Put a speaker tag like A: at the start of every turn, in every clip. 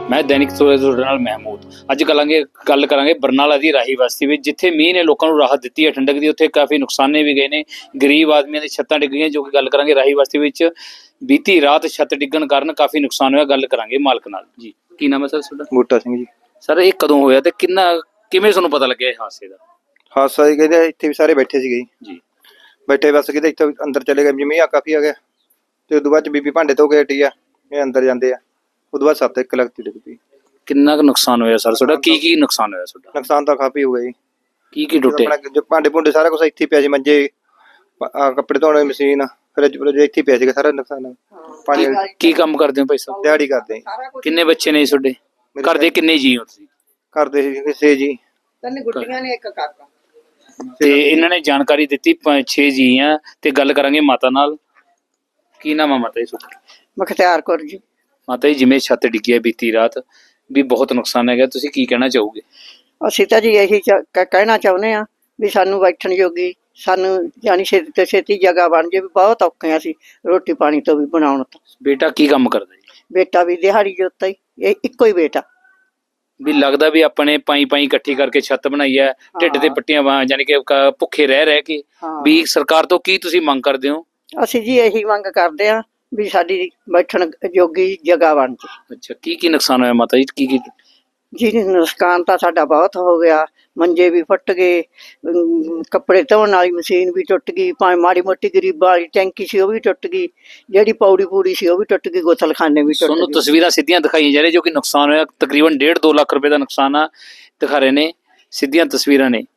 A: मैं दैनिक ਸਵੇਰਾ ਤੁਹਾਡੇ ਨਾਲ ਮਹਿਮੂਦ ਅੱਜ ਗੱਲ ਕਰਾਂਗੇ ਬਰਨਾਲਾ ਦੀ ਰਾਹੀ ਬਸਤੀ ਵਿੱਚ ਜਿੱਥੇ ਮੀਂਹ ਨੇ ਲੋਕਾਂ ਨੂੰ ਰਾਹਤ ਦਿੱਤੀ ਹੈ ਠੰਡਕ ਦੀ। ਉੱਥੇ ਕਾਫੀ ਨੁਕਸਾਨੇ ਵੀ ਗਏ ਨੇ, ਗਰੀਬ ਆਦਮੀਆਂ ਦੀ ਛੱਤਾਂ ਡਿੱਗ ਗਈਆਂ। ਜੋ ਕਿ ਗੱਲ ਕਰਾਂਗੇ ਰਾਹੀ ਬਸਤੀ ਵਿੱਚ ਬੀਤੀ ਰਾਤ ਛੱਤ ਡਿੱਗਣ ਕਾਰਨ ਕਾਫੀ ਨੁਕਸਾਨ ਹੋਇਆ। ਗੱਲ ਕਰਾਂਗੇ ਮਾਲਕ ਨਾਲ ਜੀ। ਕੀ ਨਾਮ ਹੈ ਸਰ ਤੁਹਾਡਾ?
B: ਬੂਟਾ ਸਿੰਘ ਜੀ।
A: ਸਰ ਇਹ ਕਦੋਂ ਹੋਇਆ ਤੇ ਕਿਵੇਂ ਤੁਹਾਨੂੰ ਪਤਾ ਲੱਗਿਆ ਇਹ ਹਾਦਸੇ ਦਾ?
B: ਹਾਦਸਾ ਜੀ ਕਹਿੰਦੇ ਇੱਥੇ ਵੀ ਸਾਰੇ ਬੈਠੇ ਸੀਗੇ
A: ਜੀ।
B: ਬੈਠੇ ਬਸ ਕਿਤੇ ਇੱਥੇ ਅੰਦਰ ਚਲੇ ਗਏ, ਮੀਂਹ ਆ ਕਾਫੀ ਆ ਗਿਆ ਤੇ ਉਦੋਂ ਬਾਅਦ ਚ ਬੀਬੀ ਭਾਂਡੇ ਧੋ ਕੇ ਹਟੀ ਆ, ਇਹ ਅੰਦਰ ਜਾਂਦੇ ਆ। ਉਦੋਂ ਬਾਅਦ ਸੱਤ ਇੱਕ ਲੱਗਦੀ ਡਿੱਗ ਪਈ।
A: ਕਿੰਨਾ ਕੁ ਨੁਕਸਾਨ ਹੋਇਆ ਸਰ ਤੁਹਾਡਾ? ਕੀ ਨੁਕਸਾਨ ਹੋਇਆ ਤੁਹਾਡਾ?
B: ਨੁਕਸਾਨ ਤਾਂ ਕਾਫੀ ਹੋ ਗਿਆ ਜੀ।
A: ਕੀ ਟੁੱਟੇ?
B: ਜੋ ਭਾਂਡੇ ਭੁੰਡੇ ਸਾਰਾ ਕੁਝ ਇੱਥੇ ਪਿਆ ਸੀ, ਮੰਜੇ, ਕੱਪੜੇ ਧੋਣ ਵਾਲੀ ਮਸ਼ੀਨ, ਫਰਿੱਜ ਇੱਥੇ ਪਿਆ ਸੀਗਾ ਸਾਰਾ ਨੁਕਸਾਨ। ਪਾਣੀ
A: ਕੀ ਕੰਮ ਕਰਦੇ ਹੋ ਭਾਈ ਸਾਹਿਬ?
B: ਦਿਹਾੜੀ ਕਰਦੇ।
A: ਕਿੰਨੇ ਬੱਚੇ ਨੇ ਤੁਹਾਡੇ? ਘਰ ਦੇ ਕਿੰਨੇ ਜੀ ਹੋ ਤੁਸੀਂ?
B: ਕਰਦੇ ਸੀ 6 ਜੀ।
C: 3 ਗੁੱਡੀਆਂ ਨੇ, 1 ਕਾਕਾ।
A: ਤੇ ਇਹਨਾਂ ਨੇ ਜਾਣਕਾਰੀ ਦਿੱਤੀ 6 ਜੀ ਆ ਤੇ ਗੱਲ ਕਰਾਂਗੇ ਮਾਤਾ ਨਾਲ। ਕੀ ਨਾਮ ਆ ਮਾਤਾ ਜੀ?
C: ਮੁਖਤਿਆਰ ਕੌਰ ਜੀ।
A: ਮਾਤਾ ਜੀ ਜਿਵੇਂ ਛੱਤ ਡਿੱਗੀ ਹੈ ਬੀਤੀ ਰਾਤ ਵੀ ਬਹੁਤ ਨੁਕਸਾਨ ਹੈਗਾ, ਤੁਸੀਂ ਕੀ ਕਹਿਣਾ ਚਾਹੋਗੇ?
C: ਅਸੀਂ ਤਾਂ ਜੀ ਇਹੀ ਕਹਿਣਾ ਚਾਹੁੰਦੇ ਆ ਵੀ ਸਾਨੂੰ ਬੈਠਣ ਜੋਗੀ, ਸਾਨੂੰ ਜਾਨੀ ਛੇਤੀ ਤੋਂ ਛੇਤੀ ਜਗ੍ਹਾ ਬਣ ਜੇ। ਵੀ ਬਹੁਤ ਔਖੇ ਆ ਅਸੀਂ ਰੋਟੀ ਪਾਣੀ ਤੋਂ ਵੀ ਬਣਾਉਣ ਤੋਂ।
A: ਬੇਟਾ ਕੀ ਕੰਮ ਕਰਦਾ ਜੀ?
C: ਬੇਟਾ ਵੀ ਦਿਹਾੜੀ ਜੋਤਾ ਹੀ, ਇਹ ਇੱਕੋ ਹੀ ਬੇਟਾ।
A: ਵੀ ਲੱਗਦਾ ਵੀ ਆਪਣੇ ਪਾਈ ਇਕੱਠੀ ਕਰਕੇ ਛੱਤ ਬਣਾਈ ਹੈ, ਢਿੱਡ ਤੇ ਪੱਟੀਆਂ ਯਾਨੀ ਕਿ ਭੁੱਖੇ ਰਹਿ ਕੇ। ਵੀ ਸਰਕਾਰ ਤੋਂ ਕੀ ਤੁਸੀਂ ਮੰਗ ਕਰਦੇ ਹੋ?
C: ਅਸੀਂ ਜੀ ਇਹੀ ਮੰਗ ਕਰਦੇ ਆ ਵੀ ਸਾਡੀ ਬੈਠਣ ਜੋਗੀ ਜਗ੍ਹਾ ਬਣ ਜੇ।
A: ਅੱਛਾ, ਕੀ ਨੁਕਸਾਨ ਹੋਇਆ ਮਾਤਾ ਜੀ? ਕੀ
C: ਜੀ ਨੁਕਸਾਨ ਤਾਂ ਸਾਡਾ ਬਹੁਤ ਹੋ ਗਿਆ। ਮੰਜੇ ਵੀ ਫੁੱਟ ਗਏ, ਕੱਪੜੇ ਧੋਣ ਵਾਲੀ ਮਸ਼ੀਨ ਵੀ ਟੁੱਟ ਗਈ, ਭਾਵੇਂ ਮਾੜੀ ਮੋਟੀ ਗਰੀਬਾਂ ਵਾਲੀ ਟੈਂਕੀ ਸੀ ਉਹ ਵੀ ਟੁੱਟ ਗਈ, ਜਿਹੜੀ ਪੂੜੀ ਸੀ ਉਹ ਵੀ ਟੁੱਟ ਗਈ, ਗੋਥਲਖਾਨੇ ਵੀ ਟੁੱਟ ਗਏ।
A: ਤੁਹਾਨੂੰ ਤਸਵੀਰਾਂ ਸਿੱਧੀਆਂ ਦਿਖਾਈਆਂ ਜਾ ਰਹੀਆਂ ਜੋ ਕਿ ਨੁਕਸਾਨ ਹੋਇਆ ਤਕਰੀਬਨ 1.5-2 ਲੱਖ ਰੁਪਏ ਦਾ ਨੁਕਸਾਨ ਆ ਦਿਖਾ ਰਹੇ ਨੇ। ਸਿੱਧੀਆਂ ਤਸਵੀਰਾਂ ਨੇ,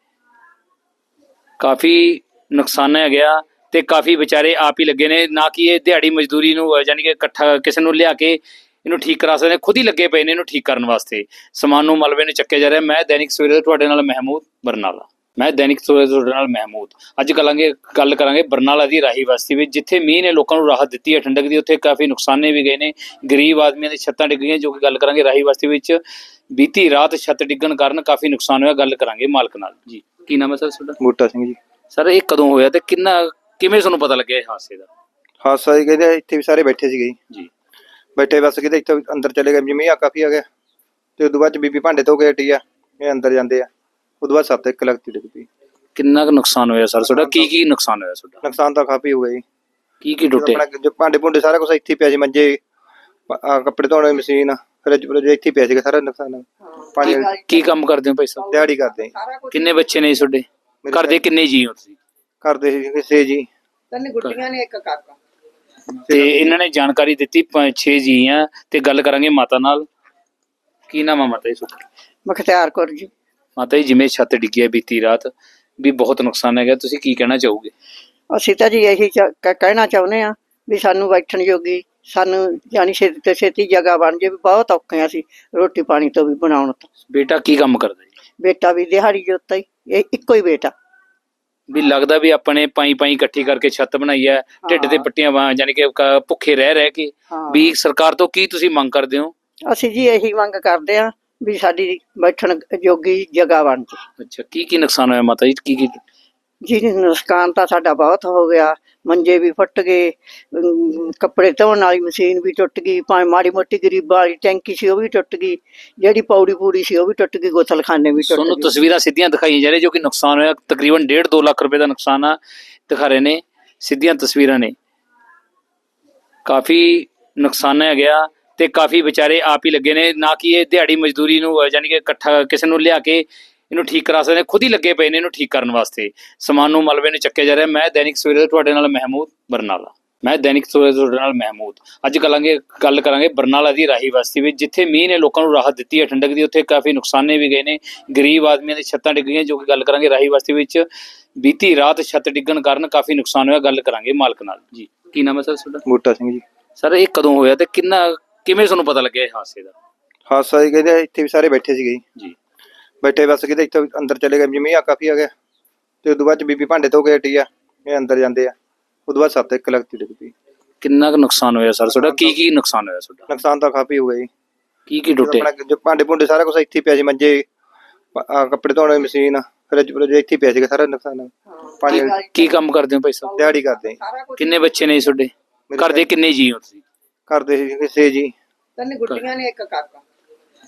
A: ਕਾਫੀ ਨੁਕਸਾਨ ਹੈ ਗਿਆ ਤੇ ਕਾਫੀ ਵਿਚਾਰੇ ਆਪ ਹੀ ਲੱਗੇ ਨੇ। ਨਾ ਕਿ ਇਹ ਦਿਹਾੜੀ ਮਜ਼ਦੂਰੀ ਨੂੰ ਯਾਨੀ ਕਿ ਇਕੱਠਾ ਕਿਸੇ ਨੂੰ ਲਿਆ ਕੇ ਇਹਨੂੰ ਠੀਕ ਕਰਾ ਸਕਦੇ, ਖੁਦ ਹੀ ਲੱਗੇ ਪਏ ਨੇ ਇਹਨੂੰ ਠੀਕ ਕਰਨ ਵਾਸਤੇ। ਸਮਾਨ ਨੂੰ ਮਲਬੇ ਨੂੰ ਚੱਕਿਆ ਜਾ ਰਿਹਾ। ਮੈਂ ਦੈਨਿਕ ਸਵੇਰਾ ਤੁਹਾਡੇ ਨਾਲ ਮਹਿਮੂਦ, ਬਰਨਾਲਾ। ਮੈਂ ਦੈਨਿਕ ਸਵੇਰਾ ਤੁਹਾਡੇ ਨਾਲ ਮਹਿਮੂਦ ਅੱਜ ਗੱਲ ਕਰਾਂਗੇ ਬਰਨਾਲਾ ਦੀ ਰਾਹੀ ਬਸਤੀ ਵਿੱਚ ਜਿੱਥੇ ਮੀਂਹ ਨੇ ਲੋਕਾਂ ਨੂੰ ਰਾਹਤ ਦਿੱਤੀ ਹੈ ਠੰਡਕ ਦੀ। ਉੱਥੇ ਕਾਫੀ ਨੁਕਸਾਨੇ ਵੀ ਗਏ ਨੇ, ਗਰੀਬ ਆਦਮੀਆਂ ਦੀ ਛੱਤਾਂ ਡਿੱਗ ਗਈਆਂ। ਜੋ ਕਿ ਗੱਲ ਕਰਾਂਗੇ ਰਾਹੀ ਬਸਤੀ ਵਿੱਚ ਬੀਤੀ ਰਾਤ ਛੱਤ ਡਿੱਗਣ ਕਾਰਨ ਕਾਫੀ ਨੁਕਸਾਨ ਹੋਇਆ। ਗੱਲ ਕਰਾਂਗੇ ਮਾਲਕ ਨਾਲ ਜੀ। ਕੀ ਨਾਮ ਹੈ ਸਰ ਤੁਹਾਡਾ?
B: ਬੂਟਾ ਸਿੰਘ ਜੀ।
A: ਸਰ ਇਹ ਕਦੋਂ ਹੋਇਆ ਤੇ ਕਿਵੇਂ ਤੁਹਾਨੂੰ ਪਤਾ ਲੱਗਿਆ ਇਹ ਹਾਦਸੇ ਦਾ?
B: ਹਾਦਸਾ ਜੀ ਕਹਿੰਦੇ ਇੱਥੇ ਵੀ ਸਾਰੇ ਬੈਠੇ ਸੀਗੇ
A: ਜੀ।
B: ਬੈਠੇ ਬਸ ਕਿਤੇ ਇੱਥੇ ਅੰਦਰ ਚਲੇ ਗਏ, ਮੀਂਹ ਆ ਕਾਫੀ ਆ ਗਿਆ ਤੇ ਉਦੋਂ ਬਾਅਦ ਚ ਬੀਬੀ ਭਾਂਡੇ ਧੋ ਕੇ ਹਟੀ ਆ, ਇਹ ਅੰਦਰ ਜਾਂਦੇ ਆ। ਉਦੋਂ ਬਾਅਦ ਸੱਤ ਇੱਕ ਲੱਗਦੀ ਡਿੱਗ ਪਈ।
A: ਕਿੰਨਾ ਕੁ ਨੁਕਸਾਨ ਹੋਇਆ ਸਰ ਤੁਹਾਡਾ? ਕੀ ਨੁਕਸਾਨ ਹੋਇਆ ਤੁਹਾਡਾ?
B: ਨੁਕਸਾਨ ਤਾਂ ਕਾਫੀ ਹੋ ਗਿਆ ਜੀ।
A: ਕੀ ਟੁੱਟੇ?
B: ਜੋ ਭਾਂਡੇ ਭੁੰਡੇ ਸਾਰਾ ਕੁਝ ਇੱਥੇ ਪਿਆ ਸੀ, ਮੰਜੇ, ਕੱਪੜੇ ਧੋਣ ਵਾਲੀ ਮਸ਼ੀਨ, ਫਰਿੱਜ ਇੱਥੇ ਪਿਆ ਸੀਗਾ ਸਾਰਾ ਨੁਕਸਾਨ। ਪਾਣੀ
A: ਕੀ ਕੰਮ ਕਰਦੇ ਹੋ ਭਾਈ ਸਾਹਿਬ?
B: ਦਿਹਾੜੀ ਕਰਦੇ।
A: ਕਿੰਨੇ ਬੱਚੇ ਨੇ ਤੁਹਾਡੇ? ਘਰ ਦੇ ਕਿੰਨੇ ਜੀ ਹੋ ਤੁਸੀਂ?
B: ਕਰਦੇ ਸੀ 6 ਜੀ।
C: 3 ਗੁੱਡੀਆਂ ਨੇ, 1 ਕਾਕਾ।
A: ਤੇ ਇਹਨਾਂ ਨੇ ਜਾਣਕਾਰੀ ਦਿੱਤੀ 6 ਜੀ ਆ ਤੇ ਗੱਲ ਕਰਾਂਗੇ ਮਾਤਾ ਨਾਲ। ਕੀ ਨਾਮ ਆ ਮਾਤਾ ਜੀ?
C: ਮੁਖਤਿਆਰ ਕੌਰ ਜੀ।
A: ਮਾਤਾ ਜੀ ਜਿਵੇਂ ਛੱਤ ਡਿੱਗੀ ਹੈ ਬੀਤੀ ਰਾਤ ਵੀ ਬਹੁਤ ਨੁਕਸਾਨ ਹੈਗਾ, ਤੁਸੀਂ ਕੀ ਕਹਿਣਾ ਚਾਹੋਗੇ?
C: ਅਸੀਂ ਤਾਂ ਜੀ ਇਹੀ ਕਹਿਣਾ ਚਾਹੁੰਦੇ ਆ ਵੀ ਸਾਨੂੰ ਬੈਠਣ ਜੋਗੀ, ਸਾਨੂੰ ਜਾਨੀ ਛੇਤੀ ਤੋਂ ਛੇਤੀ ਜਗ੍ਹਾ ਬਣ ਜੇ। ਵੀ ਬਹੁਤ ਔਖੇ ਆ ਅਸੀਂ ਰੋਟੀ ਪਾਣੀ ਤੋਂ ਵੀ ਬਣਾਉਣ ਤੋਂ।
A: ਬੇਟਾ ਕੀ ਕੰਮ ਕਰਦਾ ਜੀ?
C: ਬੇਟਾ ਵੀ ਦਿਹਾੜੀ ਜੋਤਾ ਹੀ, ਇਹ ਇੱਕੋ ਹੀ ਬੇਟਾ।
A: ਵੀ ਲੱਗਦਾ ਵੀ ਆਪਣੇ ਪਾਈ ਇਕੱਠੀ ਕਰਕੇ ਛੱਤ ਬਣਾਈ ਹੈ, ਢਿੱਡ ਤੇ ਪੱਟੀਆਂ ਯਾਨੀ ਕਿ ਭੁੱਖੇ ਰਹਿ ਕੇ। ਵੀ ਸਰਕਾਰ ਤੋਂ ਕੀ ਤੁਸੀਂ ਮੰਗ ਕਰਦੇ ਹੋ?
C: ਅਸੀਂ ਜੀ ਇਹੀ ਮੰਗ ਕਰਦੇ ਆ ਵੀ ਸਾਡੀ ਬੈਠਣ ਜੋਗੀ ਜਗ੍ਹਾ ਬਣ ਜੇ।
A: ਅੱਛਾ, ਕੀ ਨੁਕਸਾਨ ਹੋਇਆ ਮਾਤਾ ਜੀ?
C: ਜੀ ਨੁਕਸਾਨ ਤਾਂ ਸਾਡਾ ਬਹੁਤ ਹੋ ਗਿਆ। ਮੰਜੇ ਵੀ ਫੁੱਟ ਗਏ, ਕੱਪੜੇ ਧੋਣ ਵਾਲੀ ਮਸ਼ੀਨ ਵੀ ਟੁੱਟ ਗਈ, ਭਾਵੇਂ ਮਾੜੀ ਮੋਟੀ ਗਰੀਬਾਂ ਵਾਲੀ ਟੈਂਕੀ ਸੀ ਉਹ ਵੀ ਟੁੱਟ ਗਈ, ਜਿਹੜੀ ਪੂੜੀ ਸੀ ਉਹ ਵੀ ਟੁੱਟ ਗਈ, ਗੋਥਲਖਾਨੇ ਵੀ ਟੁੱਟ ਗਏ।
A: ਤੁਹਾਨੂੰ ਤਸਵੀਰਾਂ ਸਿੱਧੀਆਂ ਦਿਖਾਈਆਂ ਜਾ ਰਹੀਆਂ ਜੋ ਕਿ ਨੁਕਸਾਨ ਹੋਇਆ ਤਕਰੀਬਨ 1.5-2 ਲੱਖ ਰੁਪਏ ਦਾ ਨੁਕਸਾਨ ਆ ਦਿਖਾ ਰਹੇ ਨੇ। ਸਿੱਧੀਆਂ ਤਸਵੀਰਾਂ ਨੇ, ਕਾਫੀ ਨੁਕਸਾਨ ਹੈ ਗਿਆ ਤੇ ਕਾਫੀ ਵਿਚਾਰੇ ਆਪ ਹੀ ਲੱਗੇ ਨੇ। ਨਾ ਕਿ ਇਹ ਦਿਹਾੜੀ ਮਜ਼ਦੂਰੀ ਨੂੰ ਯਾਨੀ ਕਿ ਇਕੱਠਾ ਕਿਸੇ ਨੂੰ ਲਿਆ ਕੇ ਇਹਨੂੰ ਠੀਕ ਕਰਾ ਸਕਦੇ, ਖੁਦ ਹੀ ਲੱਗੇ ਪਏ ਨੇ ਇਹਨੂੰ ਠੀਕ ਕਰਨ ਵਾਸਤੇ। ਸਮਾਨ ਨੂੰ ਮਲਬੇ ਨੂੰ ਚੱਕਿਆ ਜਾ ਰਿਹਾ। ਮੈਂ ਦੈਨਿਕ ਸਵੇਰਾ ਤੁਹਾਡੇ ਨਾਲ ਮਹਿਮੂਦ, ਬਰਨਾਲਾ। ਮੈਂ ਦੈਨਿਕ ਸਵੇਰਾ ਤੁਹਾਡੇ ਨਾਲ ਮਹਿਮੂਦ ਅੱਜ ਗੱਲ ਕਰਾਂਗੇ ਬਰਨਾਲਾ ਦੀ ਰਾਹੀ ਬਸਤੀ ਵਿੱਚ ਜਿੱਥੇ ਮੀਂਹ ਨੇ ਲੋਕਾਂ ਨੂੰ ਰਾਹਤ ਦਿੱਤੀ ਹੈ ਠੰਡਕ ਦੀ। ਉੱਥੇ ਕਾਫੀ ਨੁਕਸਾਨੇ ਵੀ ਗਏ ਨੇ, ਗਰੀਬ ਆਦਮੀਆਂ ਦੀ ਛੱਤਾਂ ਡਿੱਗ ਗਈਆਂ। ਜੋ ਕਿ ਗੱਲ ਕਰਾਂਗੇ ਰਾਹੀ ਬਸਤੀ ਵਿੱਚ ਬੀਤੀ ਰਾਤ ਛੱਤ ਡਿੱਗਣ ਕਾਰਨ ਕਾਫੀ ਨੁਕਸਾਨ ਹੋਇਆ। ਗੱਲ ਕਰਾਂਗੇ ਮਾਲਕ ਨਾਲ ਜੀ। ਕੀ ਨਾਮ ਹੈ ਸਰ ਤੁਹਾਡਾ?
B: ਬੂਟਾ ਸਿੰਘ ਜੀ।
A: ਸਰ ਇਹ ਕਦੋਂ ਹੋਇਆ ਤੇ ਕਿਵੇਂ ਤੁਹਾਨੂੰ ਪਤਾ ਲੱਗਿਆ ਇਹ ਹਾਦਸੇ ਦਾ?
B: ਹਾਦਸਾ ਜੀ ਕਹਿੰਦੇ ਇੱਥੇ ਵੀ ਸਾਰੇ ਬੈਠੇ ਸੀਗੇ
A: ਜੀ।
B: ਬੈਠੇ ਬਸ ਕਿਤੇ ਇੱਥੇ ਅੰਦਰ ਚਲੇ ਗਏ, ਮੀਂਹ ਆ ਕਾਫੀ ਆ ਗਿਆ ਤੇ ਉਦੋਂ ਬਾਅਦ ਚ ਬੀਬੀ ਭਾਂਡੇ ਧੋ ਕੇ ਹਟੀ ਆ, ਇਹ ਅੰਦਰ ਜਾਂਦੇ ਆ। ਉਦੋਂ ਬਾਅਦ ਸੱਤ ਇੱਕ ਲੱਗਦੀ ਡਿੱਗ ਪਈ।
A: ਕਿੰਨਾ ਕੁ ਨੁਕਸਾਨ ਹੋਇਆ ਸਰ ਤੁਹਾਡਾ? ਕੀ ਨੁਕਸਾਨ ਹੋਇਆ ਤੁਹਾਡਾ?
B: ਨੁਕਸਾਨ ਤਾਂ ਕਾਫੀ ਹੋ ਗਿਆ ਜੀ।
A: ਕੀ ਟੁੱਟੇ?
B: ਜੋ ਭਾਂਡੇ ਭੁੰਡੇ ਸਾਰਾ ਕੁਝ ਇੱਥੇ ਪਿਆ ਸੀ, ਮੰਜੇ, ਕੱਪੜੇ ਧੋਣ ਵਾਲੀ ਮਸ਼ੀਨ, ਫਰਿੱਜ ਇੱਥੇ ਪਿਆ ਸੀਗਾ ਸਾਰਾ ਨੁਕਸਾਨ। ਪਾਣੀ
A: ਕੀ ਕੰਮ ਕਰਦੇ ਹੋ ਭਾਈ ਸਾਹਿਬ?
B: ਦਿਹਾੜੀ ਕਰਦੇ।
A: ਕਿੰਨੇ ਬੱਚੇ ਨੇ ਤੁਹਾਡੇ? ਘਰ ਦੇ ਕਿੰਨੇ ਜੀ ਹੋ ਤੁਸੀਂ?
B: ਕਰਦੇ ਸੀ 6 ਜੀ।
C: 3 ਗੁੱਡੀਆਂ ਨੇ, 1 ਕਾਕਾ।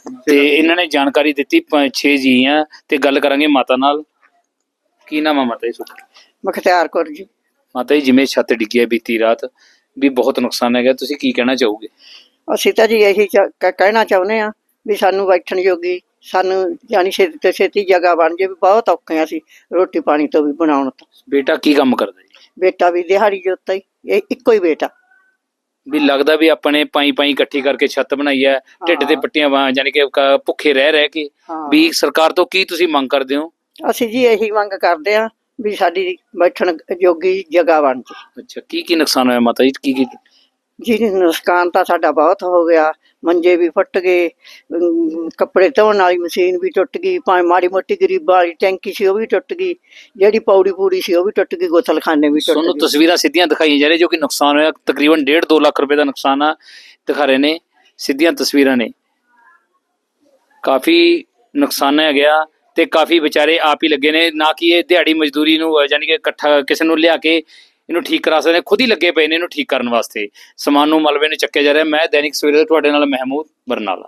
A: ਤੇ ਇਹਨਾਂ ਨੇ ਜਾਣਕਾਰੀ ਦਿੱਤੀ 6 ਜੀ ਆ ਤੇ ਗੱਲ ਕਰਾਂਗੇ ਮਾਤਾ ਨਾਲ। ਕੀ ਨਾਮ ਆ ਮਾਤਾ ਜੀ ਤੁਹਾਡਾ?
C: ਮੁਖਤਿਆਰ ਕੌਰ ਜੀ।
A: ਮਾਤਾ ਜੀ, ਜਿਵੇਂ ਛੱਤ ਡਿੱਗੀ ਹੈ ਬੀਤੀ ਰਾਤ ਵੀ ਬਹੁਤ ਨੁਕਸਾਨ ਹੈਗਾ, ਤੁਸੀਂ ਕੀ ਕਹਿਣਾ ਚਾਹੋਗੇ?
C: ਅਸੀਂ ਤਾਂ ਜੀ ਇਹੀ ਕਹਿਣਾ ਚਾਹੁੰਦੇ ਆ ਵੀ ਸਾਨੂੰ ਬੈਠਣ ਜੋਗੀ, ਸਾਨੂੰ ਜਾਨੀ ਛੇਤੀ ਤੋਂ ਛੇਤੀ ਜਗ੍ਹਾ ਬਣ ਜੇ। ਵੀ ਬਹੁਤ ਔਖੇ ਆ ਅਸੀਂ ਰੋਟੀ ਪਾਣੀ ਤੋਂ ਵੀ ਬਣਾਉਣ ਤੋਂ।
A: ਬੇਟਾ ਕੀ ਕੰਮ ਕਰਦਾ ਜੀ?
C: ਬੇਟਾ ਵੀ ਦਿਹਾੜੀ ਜੋਤਾ ਹੀ, ਇਹ ਇੱਕੋ ਹੀ ਬੇਟਾ।
A: ਵੀ ਲੱਗਦਾ ਵੀ ਆਪਣੇ ਪਾਈ ਇਕੱਠੀ ਕਰਕੇ ਛੱਤ ਬਣਾਈ ਹੈ, ਢਿੱਡ ਤੇ ਪੱਟੀਆਂ ਯਾਨੀ ਕਿ ਭੁੱਖੇ ਰਹਿ ਕੇ।
C: ਹਾਂ।
A: ਵੀ ਸਰਕਾਰ ਤੋਂ ਕੀ ਤੁਸੀਂ ਮੰਗ ਕਰਦੇ ਹੋ?
C: ਅਸੀਂ ਜੀ ਇਹੀ ਮੰਗ ਕਰਦੇ ਆ ਵੀ ਸਾਡੀ ਬੈਠਣ ਜੋਗੀ ਜਗ੍ਹਾ ਬਣ ਜੇ।
A: ਅੱਛਾ, ਕੀ ਨੁਕਸਾਨ ਹੋਇਆ ਮਾਤਾ ਜੀ? ਕੀ
C: ਜੀ ਨੁਕਸਾਨ ਤਾਂ ਸਾਡਾ ਬਹੁਤ ਹੋ ਗਿਆ। ਮੰਜੇ ਵੀ ਫੁੱਟ ਗਏ, ਕੱਪੜੇ ਧੋਣ ਵਾਲੀ ਮਸ਼ੀਨ ਵੀ ਟੁੱਟ ਗਈ, ਭਾਵੇਂ ਮਾੜੀ ਮੋਟੀ ਗਰੀਬਾਂ ਵਾਲੀ ਟੈਂਕੀ ਸੀ ਉਹ ਵੀ ਟੁੱਟ ਗਈ, ਜਿਹੜੀ ਪੌੜੀ ਪੂੜੀ ਸੀ ਉਹ ਵੀ ਟੁੱਟ ਗਈ, ਗੋਥਲਖਾਨੇ ਵੀ ਟੁੱਟ
A: ਤੁਹਾਨੂੰ
C: ਗਏ।
A: ਤਸਵੀਰਾਂ ਸਿੱਧੀਆਂ ਦਿਖਾਈਆਂ ਜਾ ਰਹੀਆਂ ਜੋ ਕਿ ਨੁਕਸਾਨ ਹੋਇਆ ਤਕਰੀਬਨ 1.5-2 ਲੱਖ ਰੁਪਏ ਦਾ ਨੁਕਸਾਨ ਆ, ਦਿਖਾ ਰਹੇ ਨੇ ਸਿੱਧੀਆਂ ਤਸਵੀਰਾਂ ਨੇ। ਕਾਫੀ ਨੁਕਸਾਨ ਹੈ ਗਿਆ ਤੇ ਕਾਫੀ ਵਿਚਾਰੇ ਆਪ ਹੀ ਲੱਗੇ ਨੇ, ਨਾ ਕਿ ਇਹ ਦਿਹਾੜੀ ਮਜ਼ਦੂਰੀ ਨੂੰ ਯਾਨੀ ਕਿ ਇਕੱਠਾ ਕਿਸੇ ਨੂੰ ਲਿਆ ਕੇ ਇਹਨੂੰ ਠੀਕ ਕਰਾ ਸਕਦੇ, ਖੁਦ ਹੀ ਲੱਗੇ ਪਏ ਨੇ ਇਹਨੂੰ ਠੀਕ ਕਰਨ ਵਾਸਤੇ। ਸਮਾਨ ਨੂੰ ਮਲਬੇ ਨੂੰ ਚੱਕਿਆ ਜਾ ਰਿਹਾ। ਮੈਂ ਦੈਨਿਕ ਸਵੇਰੇ ਤੁਹਾਡੇ ਨਾਲ ਮਹਿਮੂਦ ਬਰਨਾਲਾ।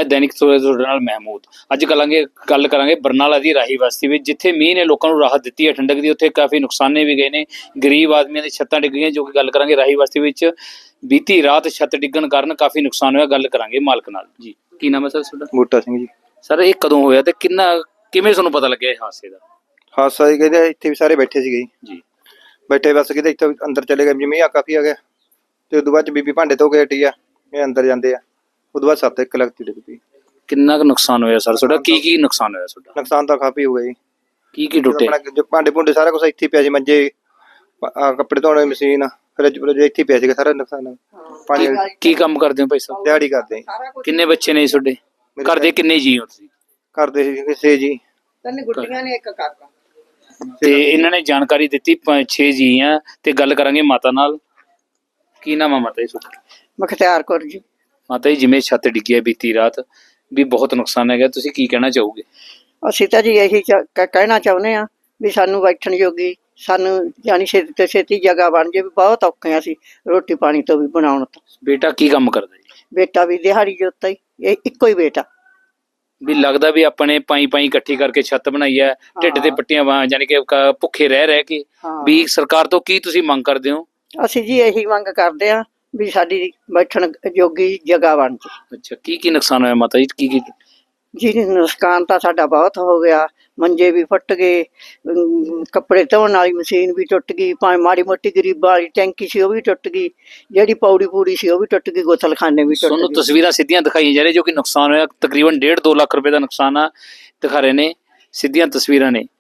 A: ਅੱਜ ਗੱਲ ਕਰਾਂਗੇ ਬਰਨਾਲਾ ਦੀ ਰਾਹੀ ਬਸਤੀ ਵਿੱਚ, ਜਿੱਥੇ ਮੀਂਹ ਨੇ ਲੋਕਾਂ ਨੂੰ ਰਾਹਤ ਦਿੱਤੀ ਹੈ ਠੰਡਕ ਦੀ, ਉੱਥੇ ਕਾਫੀ ਨੁਕਸਾਨੇ ਵੀ ਗਏ ਨੇ। ਗਰੀਬ ਆਦਮੀਆਂ ਦੀ ਛੱਤਾਂ ਡਿੱਗ ਗਈਆਂ, ਜੋ ਕਿ ਗੱਲ ਕਰਾਂਗੇ ਰਾਹੀ ਬਸਤੀ ਵਿੱਚ ਬੀਤੀ ਰਾਤ ਛੱਤ ਡਿੱਗਣ ਕਾਰਨ ਕਾਫੀ ਨੁਕਸਾਨ ਹੋਇਆ। ਗੱਲ ਕਰਾਂਗੇ ਮਾਲਕ ਨਾਲ ਜੀ। ਕੀ ਨਾਮ ਹੈ ਸਰ ਤੁਹਾਡਾ?
B: ਬੂਟਾ ਸਿੰਘ ਜੀ।
A: ਸਰ, ਇਹ ਕਦੋਂ ਹੋਇਆ ਤੇ ਕਿਵੇਂ ਤੁਹਾਨੂੰ ਪਤਾ ਲੱਗਿਆ ਇਹ ਹਾਦਸੇ ਦਾ?
B: ਹਾਦਸਾ ਜੀ ਕਹਿੰਦੇ ਇੱਥੇ ਵੀ ਸਾਰੇ ਬੈਠੇ ਸੀਗੇ
A: ਜੀ।
B: ਬੈਠੇ ਬਸ ਕਿਤੇ ਇੱਥੇ ਅੰਦਰ ਚਲੇ ਗਏ, ਮੀਂਹ ਕਾਫੀ ਆ ਗਿਆ ਤੇ ਉਦੋਂ ਬਾਅਦ ਬੀਬੀ ਭਾਂਡੇ ਧੋ ਕੇ ਹਟੀ ਆ, ਇਹ ਅੰਦਰ ਜਾਂਦੇ ਆ। ਉਦੋਂ ਬਾਅਦ ਸੱਤ ਇੱਕ ਲਗਤੀ ਡਿੱਗ ਪਈ।
A: ਕਿੰਨਾ ਕੁ ਨੁਕਸਾਨ ਹੋਇਆ ਸਰ ਤੁਹਾਡਾ? ਕੀ ਨੁਕਸਾਨ ਹੋਇਆ ਤੁਹਾਡਾ?
B: ਨੁਕਸਾਨ ਤਾਂ ਕਾਫੀ ਹੋ ਗਿਆ ਜੀ।
A: ਕੀ ਟੁੱਟੇ?
B: ਆਪਣਾ ਜੋ ਭਾਂਡੇ ਭੁੰਡੇ ਸਾਰਾ ਕੁਝ ਇੱਥੇ ਹੀ ਪਿਆ ਸੀ, ਮੰਜੇ, ਕੱਪੜੇ ਧੋਣ ਵਾਲੀ ਮਸ਼ੀਨ, ਫਰਿੱਜ ਇੱਥੇ ਹੀ ਪਿਆ ਸੀਗਾ ਸਾਰਾ ਨੁਕਸਾਨ। ਪਾਣੀ
A: ਕੀ ਕੰਮ ਕਰਦੇ ਹੋ ਭਾਈ ਸਾਹਿਬ?
B: ਦਿਹਾੜੀ ਕਰਦੇ ਆ।
A: ਕਿੰਨੇ ਬੱਚੇ ਨੇ ਤੁਹਾਡੇ? ਘਰ ਦੇ ਕਿੰਨੇ ਜੀ ਹੋ ਤੁਸੀਂ?
B: ਕਰਦੇ ਸੀ 6 ਜੀ।
C: ਤਿੰਨ ਗੁੱਡੀਆਂ ਨੇ, ਇੱਕ ਕਾਕਾ।
A: ਤੇ ਇਹਨਾਂ ਨੇ ਜਾਣਕਾਰੀ ਦਿੱਤੀ 6 ਜੀ ਆ ਤੇ ਗੱਲ ਕਰਾਂਗੇ ਮਾਤਾ ਨਾਲ। ਕੀ ਨਾਮ ਆ ਮਾਤਾ ਜੀ ਤੁਹਾਡਾ?
C: ਮੁਖਤਿਆਰ ਕੌਰ ਜੀ।
A: ਮਾਤਾ ਜੀ, ਜਿਵੇਂ ਛੱਤ ਡਿੱਗੀ ਹੈ ਬੀਤੀ ਰਾਤ ਵੀ ਬਹੁਤ ਨੁਕਸਾਨ ਹੈਗਾ, ਤੁਸੀਂ ਕੀ ਕਹਿਣਾ ਚਾਹੋਗੇ?
C: ਅਸੀਂ ਤਾਂ ਜੀ ਇਹੀ ਕਹਿਣਾ ਚਾਹੁੰਦੇ ਆ ਵੀ ਸਾਨੂੰ ਬੈਠਣ ਜੋਗੀ, ਸਾਨੂੰ ਜਾਨੀ ਛੇਤੀ ਤੋਂ ਛੇਤੀ ਜਗ੍ਹਾ ਬਣ ਜੇ। ਵੀ ਬਹੁਤ ਔਖੇ ਆ ਅਸੀਂ ਰੋਟੀ ਪਾਣੀ ਤੋਂ ਵੀ ਬਣਾਉਣ ਤੋਂ।
A: ਬੇਟਾ ਕੀ ਕੰਮ ਕਰਦਾ ਜੀ?
C: ਬੇਟਾ ਵੀ ਦਿਹਾੜੀ ਜੋਤਾ ਹੀ, ਇਹ ਇੱਕੋ ਹੀ ਬੇਟਾ।
A: ਵੀ ਲੱਗਦਾ ਵੀ ਆਪਣੇ ਪਾਈ ਇਕੱਠੀ ਕਰਕੇ ਛੱਤ ਬਣਾਈ ਹੈ, ਢਿੱਡ ਤੇ ਪੱਟੀਆਂ ਯਾਨੀ ਕਿ ਭੁੱਖੇ ਰਹਿ ਕੇ।
C: ਹਾਂ।
A: ਵੀ ਸਰਕਾਰ ਤੋਂ ਕੀ ਤੁਸੀਂ ਮੰਗ ਕਰਦੇ ਹੋ?
C: ਅਸੀਂ ਜੀ ਇਹੀ ਮੰਗ ਕਰਦੇ ਆ ਵੀ ਸਾਡੀ ਬੈਠਣ ਜੋਗੀ ਜਗ੍ਹਾ ਬਣ ਜੇ।
A: ਅੱਛਾ, ਕੀ ਨੁਕਸਾਨ ਹੋਇਆ ਮਾਤਾ ਜੀ?
C: ਜੀ ਨੁਕਸਾਨ ਤਾਂ ਸਾਡਾ ਬਹੁਤ ਹੋ ਗਿਆ। ਮੰਜੇ ਵੀ ਫੁੱਟ ਗਏ, ਕੱਪੜੇ ਧੋਣ ਵਾਲੀ ਮਸ਼ੀਨ ਵੀ ਟੁੱਟ ਗਈ, ਭਾਵੇਂ ਮਾੜੀ ਮੋਟੀ ਗਰੀਬਾਂ ਵਾਲੀ ਟੈਂਕੀ ਸੀ ਉਹ ਵੀ ਟੁੱਟ ਗਈ, ਜਿਹੜੀ ਪੌੜੀ ਪੂੜੀ ਸੀ ਉਹ ਵੀ ਟੁੱਟ ਗਈ, ਗੋਥਲਖਾਨੇ ਵੀ ਟੁੱਟ
A: ਤੁਹਾਨੂੰ
C: ਗਏ।
A: ਤਸਵੀਰਾਂ ਸਿੱਧੀਆਂ ਦਿਖਾਈਆਂ ਜਾ ਰਹੀਆਂ ਜੋ ਕਿ ਨੁਕਸਾਨ ਹੋਇਆ ਤਕਰੀਬਨ 1.5-2 ਲੱਖ ਰੁਪਏ ਦਾ ਨੁਕਸਾਨ ਆ, ਦਿਖਾ ਰਹੇ ਨੇ ਸਿੱਧੀਆਂ ਤਸਵੀਰਾਂ ਨੇ।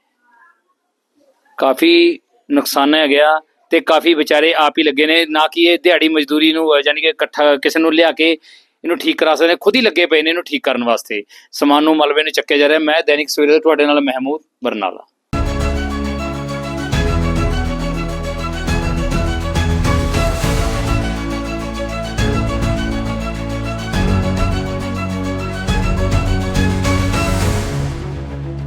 A: ਕਾਫੀ ਨੁਕਸਾਨ ਹੈ ਗਿਆ ਤੇ ਕਾਫੀ ਵਿਚਾਰੇ ਆਪ ਹੀ ਲੱਗੇ ਨੇ, ਨਾ ਕਿ ਇਹ ਦਿਹਾੜੀ ਮਜ਼ਦੂਰੀ ਨੂੰ ਯਾਨੀ ਕਿ ਇਕੱਠਾ ਕਿਸੇ ਨੂੰ ਲਿਆ ਕੇ ਇਹਨੂੰ ਠੀਕ ਕਰਾ ਸਕਦੇ, ਖੁਦ ਹੀ ਲੱਗੇ ਪਏ ਨੇ ਇਹਨੂੰ ਠੀਕ ਕਰਨ ਵਾਸਤੇ। ਸਮਾਨ ਨੂੰ ਮਲਬੇ ਨੂੰ ਚੱਕਿਆ ਜਾ ਰਿਹਾ। ਮੈਂ ਦੈਨਿਕ ਸਵੇਰੇ ਤੁਹਾਡੇ ਨਾਲ ਮਹਿਮੂਦ ਬਰਨਾਲਾ।